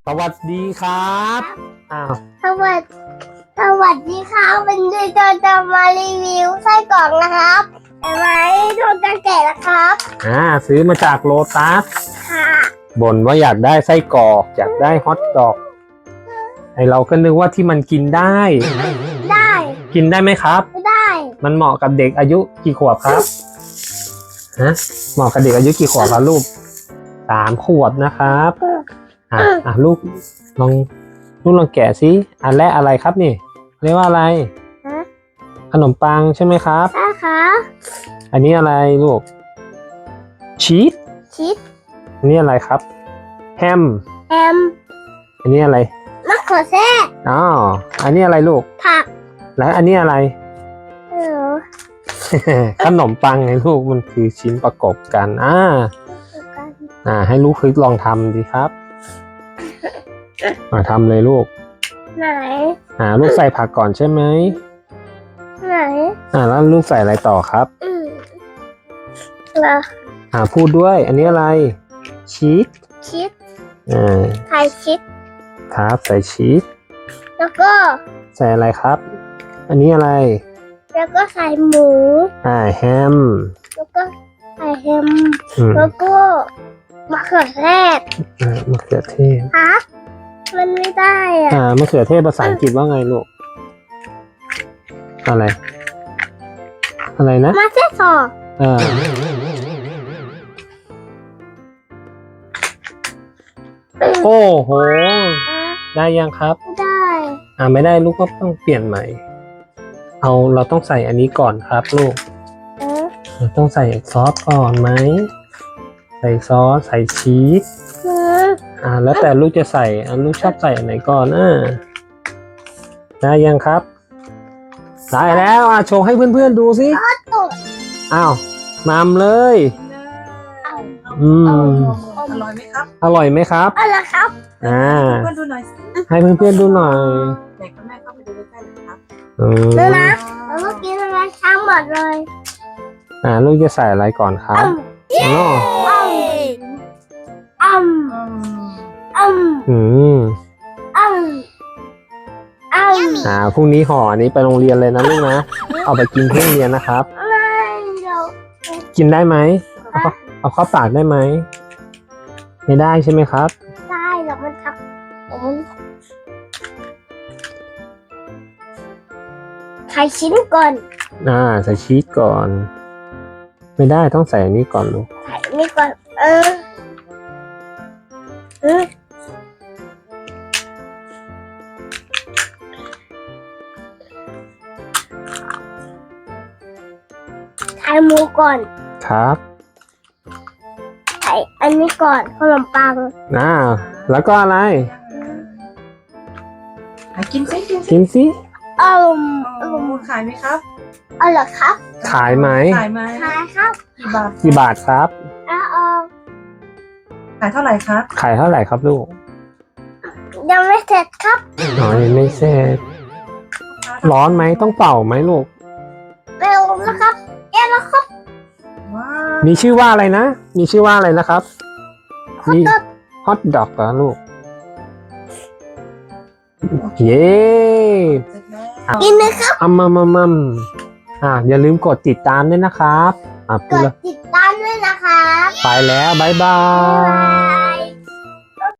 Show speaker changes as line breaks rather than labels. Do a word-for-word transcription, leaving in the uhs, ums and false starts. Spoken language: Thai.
สวัสดีครับอ้าว
สวัสดีสวัสดีครับวันนี้เราจะมารีวิวไส้กรอกนะครับแต่ไหมดูจะแกะนะครับ
อ่าซื้อมาจากโลตัส
ค่ะ
บ่นว่าอยากได้ไส้กรอกอยากได้ฮอทดอกไอเราก็นึกว่าที่มันกินได้
ได้
กินได้ไหมครับ
ได้
มันเหมาะกับเด็กอายุกี่ขวบครับฮะเหมาะกับเด็กอายุกี่ขวบครับลูกสามขวบนะครับอ่ะอ่ะลูกลองลูกลองแกะสิอันแรกอะไรครับนี่เรียกว่าอะไรขนมปังใช่ไหมครับ
ใช่ค่ะ
อันนี้อะไรลูกชีส
ชีส
อันนี้อะไรครับแฮม
แฮม
อันนี้อะไร
มะเขือเทศ
อ๋ออันนี้อะไรลูก
ผัก
แล้วอันนี้อะไร
เออ
ขนมปังไงลูกมันคือชิ้นประกอบกันอ่าอ่าให้ลูกคลิกลองทำดีครับมาทำเลยลูก
ไหน
อ่าลูกใส่ผักก่อนใช่ไหม
ไหน
อ่าแล้วลูกใส่อะไรต่อครับ
อืมแล้ว
อ่าพูดด้วยอันนี้อะไรชีส
ชีส
อ่า
ใส่ชีส
ครับใส่ชีส
แล้วก็
ใส่อะไรครับอันนี้อะไร
แล้วก็ใส่หมู
อ่าแฮม
แล้วก็ใส่แฮมแล้วก็มะเขือเทศ
อ่ามะเขือเทศ
ฮะมันไม่ได้อ่ะ
อ่ามะเขือเทศภาษาอังกฤษว่าไงลูกอะไรอะไรนะ
มาเซซอ
อ่าโอ้โหได้ยังครับ
ไม่ได้
อ่าไม่ได้ลูกก็ต้องเปลี่ยนใหม่เอาเราต้องใส่อันนี้ก่อนครับลูกเราต้องใส่ซอสก่อนไหมใส่ซอสใส่ชีสอ่าแล้วแต่ลูกจะใส่อ่าลูกชอบใส่อันไหนก่อนอ่าได้ยังครับได้แล้วอ่ะโชว์ให้เพื่อนๆดูสิอ้าวมามเลยอืม
อร่อยไหมครับ
อร่อยไหมครับ
อร่อยครับ
อ่า
เพื่อนดูหน่อยสิ
ให้เพื่อนๆดูหน่อย
เด็กกับแม่เข้าไปดูใกล้ๆเลยครับ
อืม
ดูนะแล้วเมื่อกี้ทำไมทั้งหมดเลย
อ่าลูกจะใส่อะไรก่อนครับอ๋อ
อืมอืม
อืม
อืมอืม
อ่าพรุ่งนี้ห่ออันนี้ไปโรงเรียนเลยนะลูกนะเอาไปกินที่โรงเรียนนะครับกินได้ไหมเอาเอาเข้าปากได้ไหมไม่ได้ใช่ไหมครับ
ได้หรอกมันทักมันใส่ชิ้นก่อน
อ่าใส่ชีสก่อนไม่ได้ต้องใส่อันนี้ก่อนลูก
ใส่นี่ก่อนเออเออใส่หมูก่อน
ครับ
ใส่อันนี้ก่อนขนมปัง
อ่าแล้วก็อะไร
กินซิกินซิ
กินสิ
อืม
อืมขายไหมครับ
อ๋อเหรอครับ
ขายไหม
ขายไหม
ขายครับ
กี่บาท
กี่บาทครับ
อ๋อ
ขายเท่าไหร่ครับ
ขายเท่าไหร่ครับลูก
ยังไม่เสร็จครับ
อ๋อยังไม่เสร็จร้อนไหมต้องเป่าไหมลูก
เร็วนะครับเอ๊ะแล้วครับ
มีชื่อว่าอะไรนะมีชื่อว่าอะไรนะครับมีฮอทดอกเหรอลูกเย้
กินเลยครับ
อัมมัมมัมมัมอ่าอย่าลืมกดติดตามด้วยนะครับอ่ะ
กดติดตามด้วยนะคะ
ไปแล้วบ๊ายบาย